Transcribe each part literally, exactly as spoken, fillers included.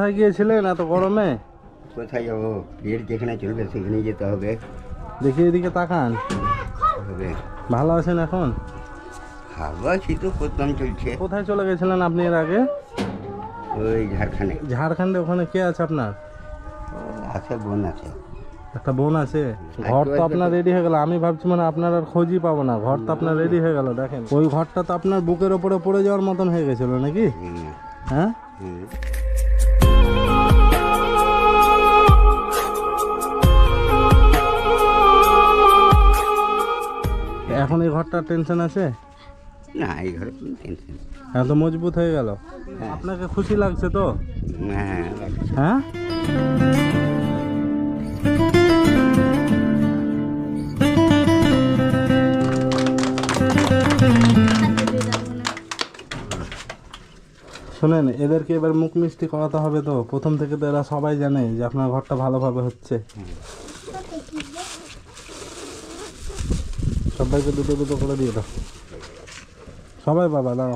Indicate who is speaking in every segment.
Speaker 1: কোথায় গিয়েছিলেন এত গরমে?
Speaker 2: কোথায় যাবো? ভিড় যেখানে চলবে সেখানেই যেতে হবে।
Speaker 1: দেখি এদিকে তাকান।
Speaker 2: হবে।
Speaker 1: ভালো আছেন এখন?
Speaker 2: ভালো আছি তো, প্রথম চলছে।
Speaker 1: কোথায় চলে গেছিলেন আপনি এর আগে?
Speaker 2: ওই ঝাড়খণ্ডে।
Speaker 1: ঝাড়খণ্ডে? ওখানে কে আছে আপনার?
Speaker 2: আছে, বোন আছে।
Speaker 1: একটা বোন আছে। ঘর তো আপনার রেডি হয়ে গেল। আমি ভাবছি মানে আপনার আর খোঁজই পাবো না। ঘর তো আপনার রেডি হয়ে গেল। দেখেন ওই ঘরটা তো আপনার বুকের ওপরে পড়ে যাওয়ার মতন হয়ে গেছিল নাকি?
Speaker 2: হুম,
Speaker 1: হ্যাঁ।
Speaker 2: হুম।
Speaker 1: এখন এই ঘরটা টেনশন আছে
Speaker 2: না, এই ঘরে কোনো টেনশন।
Speaker 1: এত মজবুত হয়ে গেল। আপনাকে খুশি লাগছে তো?
Speaker 2: হ্যাঁ,
Speaker 1: হ্যাঁ। শোনেন, এদেরকে এবার মুখ মিষ্টি করাতে হবে তো। প্রথম থেকে তো এরা সবাই জানে যে আপনার ঘরটা ভালোভাবে হচ্ছে। সবাইকে দুটো দুটো করে দিয়ে দাও। সবাই বাবা দাও।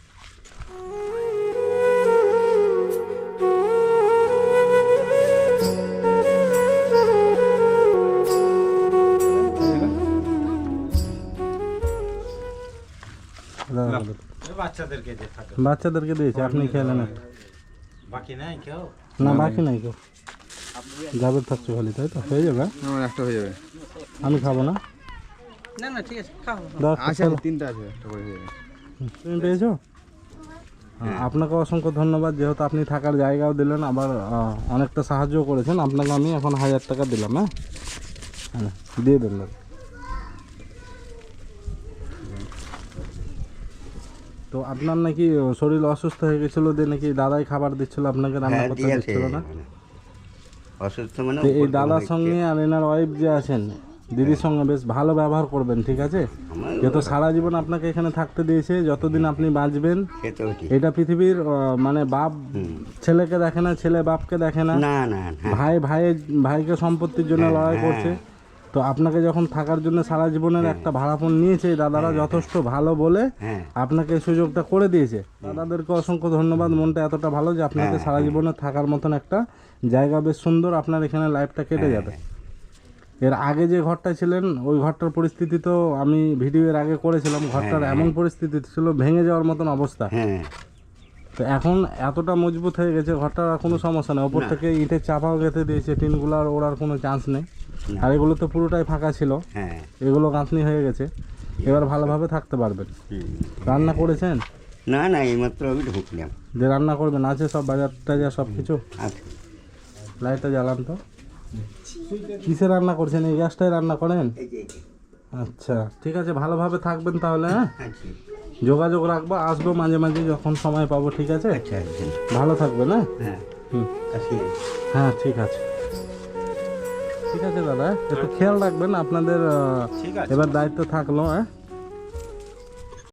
Speaker 3: বাচ্চাদেরকে যে থাকে
Speaker 1: বাচ্চাদেরকে দিয়েছি, আপনি খেলেন একটা।
Speaker 3: বাকি নাই কেউ?
Speaker 1: না বাকি নাই কেউ। যাবে থাকছো খালি, তাই তো? হয়ে যাবে।
Speaker 4: আমার একটা হয়ে যাবে।
Speaker 1: আমি খাবো না।
Speaker 3: না না ঠিক আছে, খাও।
Speaker 1: দাও,
Speaker 4: আছে
Speaker 1: চলো।
Speaker 4: তিনটা আছে, একটা করে হয়ে যাবে।
Speaker 1: তুমি পেয়েছো? হ্যাঁ, আপনাকে অসংখ্য ধন্যবাদ। যেহেতু আপনি থাকার জায়গাও দিলেন, আবার আহ, অনেকটা সাহায্য করেছেন। আপনাকে আমি এখন হাজার টাকা দিলাম। হ্যাঁ হ্যাঁ, দিয়ে দেন দাদা। তো আপনার নাকি শরীর অসুস্থ হয়ে গেছিল, দিয়ে নাকি দাদাই খাবার দিচ্ছিল আপনাকে, রান্না
Speaker 2: হ্যাঁ,
Speaker 1: করতে
Speaker 2: দিয়েছে।
Speaker 1: দিচ্ছিল না?
Speaker 2: অসুস্থ মানে
Speaker 1: তো এই
Speaker 2: উপর
Speaker 1: দাদার
Speaker 2: হয়েছে।
Speaker 1: সঙ্গে আর এনার ওয়াইফ যে আছেন, দিদির সঙ্গে বেশ ভালো ব্যবহার করবেন, ঠিক আছে?
Speaker 2: আমার
Speaker 1: যেহেতু সারা জীবন আপনাকে এখানে থাকতে দিয়েছে, যতদিন আপনি বাঁচবেন।
Speaker 2: সে তো ঠিক।
Speaker 1: এটা পৃথিবীর আহ, মানে বাপ
Speaker 2: হুম।
Speaker 1: ছেলেকে দেখে না, ছেলে বাপকে দেখে না।
Speaker 2: না না না।
Speaker 1: ভাই ভাইয়ের ভাইকে সম্পত্তির জন্য
Speaker 2: হ্যাঁ,
Speaker 1: লড়াই
Speaker 2: হ্যাঁ।
Speaker 1: করছে। তো আপনাকে যখন থাকার জন্য সারা জীবনের একটা ভাড়াপণ নিয়েছে, এই দাদারা যথেষ্ট ভালো বলে
Speaker 2: হ্যাঁ,
Speaker 1: আপনাকে এই সুযোগটা করে দিয়েছে। দাদাদেরকে অসংখ্য ধন্যবাদ। মনটা এতটা ভালো যে আপনাকে সারা জীবনে থাকার মতন একটা জায়গা, বেশ সুন্দর আপনার এখানে লাইফটা কেটে যাবে। এর আগে যে ঘরটা ছিলেন, ওই ঘরটার পরিস্থিতি তো আমি ভিডিও এর আগে করেছিলাম। ঘরটার এমন পরিস্থিতি ছিল, ভেঙে যাওয়ার মতন অবস্থা।
Speaker 2: হ্যাঁ।
Speaker 1: তো এখন এতটা মজবুত হয়ে গেছে ঘরটার, আর কোনো সমস্যা নেই। ওপর থেকে ইটের চাপাও গেঁথে দিয়েছে, টিনগুলো আর ওড়ার কোনো চান্স নেই।
Speaker 2: না।
Speaker 1: আর এগুলো তো পুরোটাই ফাঁকা ছিল,
Speaker 2: হ্যাঁ।
Speaker 1: এগুলো গাঁথনি হয়ে গেছে। এবার ভালোভাবে থাকতে পারবেন।
Speaker 2: হুম।
Speaker 1: রান্না করেছেন?
Speaker 2: না না, এইমাত্র আমি ঢুকলাম।
Speaker 1: যে রান্না করবেন আছে সব, বাজার টাজার সব কিছু?
Speaker 2: আচ্ছা।
Speaker 1: লাইটটা জ্বালান তো। কিসে রান্না করছেন? এই গ্যাসটাই রান্না করেন?
Speaker 2: এই যে, এই যে।
Speaker 1: আচ্ছা ঠিক আছে, ভালোভাবে থাকবেন তাহলে। হ্যাঁ,
Speaker 2: আচ্ছা
Speaker 1: যোগাযোগ রাখবো, আসবো মাঝে মাঝে যখন সময় পাবো, ঠিক আছে?
Speaker 2: আচ্ছা আচ্ছা।
Speaker 1: ভালো থাকবেন। হ্যাঁ
Speaker 2: হ্যাঁ,
Speaker 1: হুম,
Speaker 2: আসি।
Speaker 1: হ্যাঁ ঠিক আছে। ঠিক আছে দাদা, একটু খেয়াল রাখবেন। আপনাদের আহ,
Speaker 3: ঠিক আছে।
Speaker 1: এবার দায়িত্ব থাকলো। হ্যাঁ